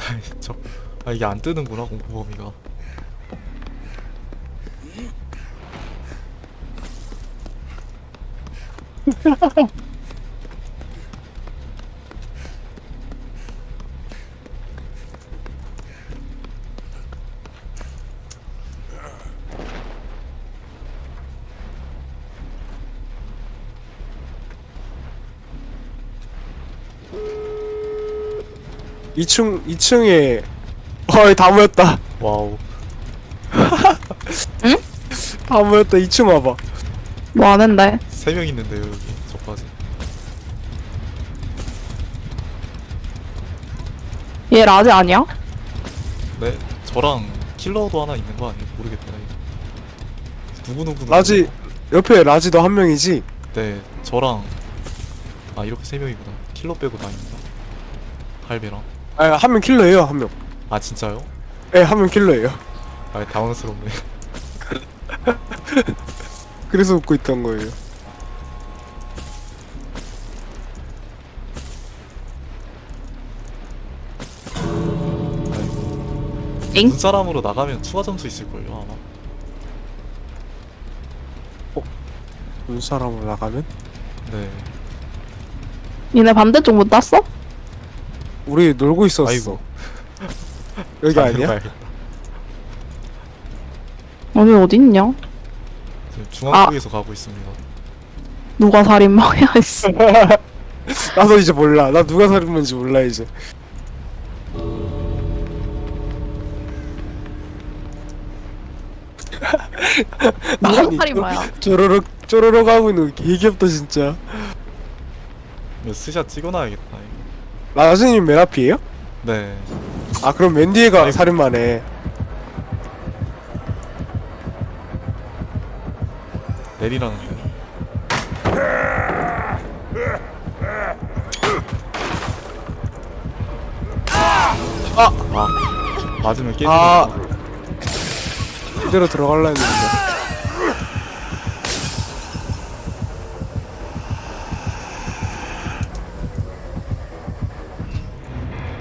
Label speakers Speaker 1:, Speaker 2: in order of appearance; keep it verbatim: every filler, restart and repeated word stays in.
Speaker 1: 아이, 저, 아 이게 안 뜨는구나 공포 범위가.
Speaker 2: 이 층 이 층에 어이 다 모였다.
Speaker 1: 와우.
Speaker 2: 다 모였다. 이 층 와봐.
Speaker 3: 뭐 하는데?
Speaker 1: 세 명 있는데요 여기 저까지.
Speaker 3: 얘 라지 아니야?
Speaker 1: 네, 저랑 킬러도 하나 있는 거 아니에요? 모르겠다 이거. 누구 누구 누구.
Speaker 2: 라지 옆에 라지도 한 명이지.
Speaker 1: 네, 저랑 아 이렇게 세 명이구나. 킬러 빼고 다 있다. 할배랑.
Speaker 2: 아 한 명 킬러예요 한 명.
Speaker 1: 아 진짜요?
Speaker 2: 예, 한 명 킬러예요.
Speaker 1: 아 당황스럽네.
Speaker 2: 그래서 웃고 있던 거예요.
Speaker 3: 엥?
Speaker 1: 눈사람으로 나가면 추가 점수 있을걸요 아마.
Speaker 2: 눈사람으로 나가면
Speaker 1: 네.
Speaker 3: 얘네 반대쪽 못 땄어?
Speaker 2: 우리 놀고 있었어.
Speaker 1: 아이고.
Speaker 2: 여기
Speaker 1: 잘
Speaker 2: 아니야?
Speaker 1: 가야겠다.
Speaker 3: 오늘 어딨냐?
Speaker 1: 지금 중앙쪽에서 가고 있습니다.
Speaker 3: 누가 살인마야 있어.
Speaker 2: 나도 이제 몰라. 나 누가 살인마인지 몰라 이제.
Speaker 3: 누가
Speaker 2: 아니,
Speaker 3: 살인마야?
Speaker 2: 쪼로록 쪼로록 하고 있는 거 개귀엽다 진짜.
Speaker 1: 이거 스샷 찍어놔야겠다 이거.
Speaker 2: 라즈님 맨 앞이에요?
Speaker 1: 네.
Speaker 2: 아 그럼 맨 뒤에가
Speaker 1: 아이고.
Speaker 2: 살인마네.
Speaker 1: 내리라는데요.
Speaker 2: 아!
Speaker 1: 아 맞으면 깨지는
Speaker 2: 아.
Speaker 1: 거.
Speaker 2: 이대로 들어갈라 했는데.